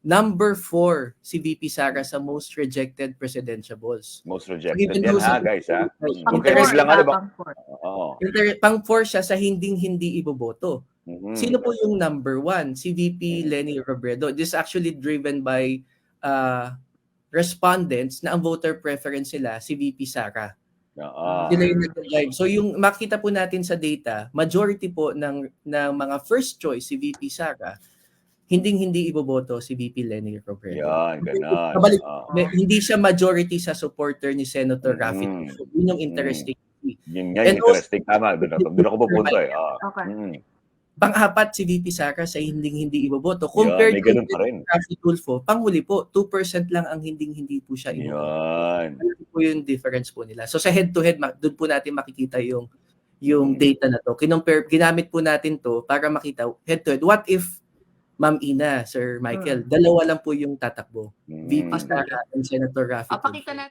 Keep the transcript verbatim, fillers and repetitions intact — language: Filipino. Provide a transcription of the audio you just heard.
number four si V P Sara sa most rejected presidential balls. Most So, rejected even yan though ha, sa guys ha. Pang interest four, lang ano ba? pang four. Oo. inter- pang four siya sa hinding-hindi iboboto. Mhm. Sino po yung number one? Si V P Mhm. Lenny Robredo. This is actually driven by uh, respondents na ang voter preference nila si V P Sara. Oo. Sila yung nag-drive. So yung makita po natin sa data, majority po ng, ng mga first choice si V P Sara, hinding-hindi iboboto si V P Lenny Robredo. Yan, ganon. Kabalik, Oo. may- hindi siya majority sa supporter ni Senator Mhm. Raffy Tulfo. Yun yung interesting. Yun nga And yung interesting. Tama, doon ako, doon ako pupunta eh. Oo. Okay. Mhm. Pang-apat si V P Sara sa hinding-hindi iboboto. Yan, Compared may ganun to pa rin. Raffy Tulfo, panghuli po, two percent lang ang hinding-hindi po siya iboboto. Yan. Ano po yung difference po nila. So sa head-to-head, ma- doon po natin makikita yung yung Mm. data na to. Kinompare, ginamit po natin to para makita head-to-head. What if, Ma'am Ina, Sir Michael, dalawa lang po yung tatakbo? V P Mm. Sara and Senator Raffy O, pakita Tulfo. natin.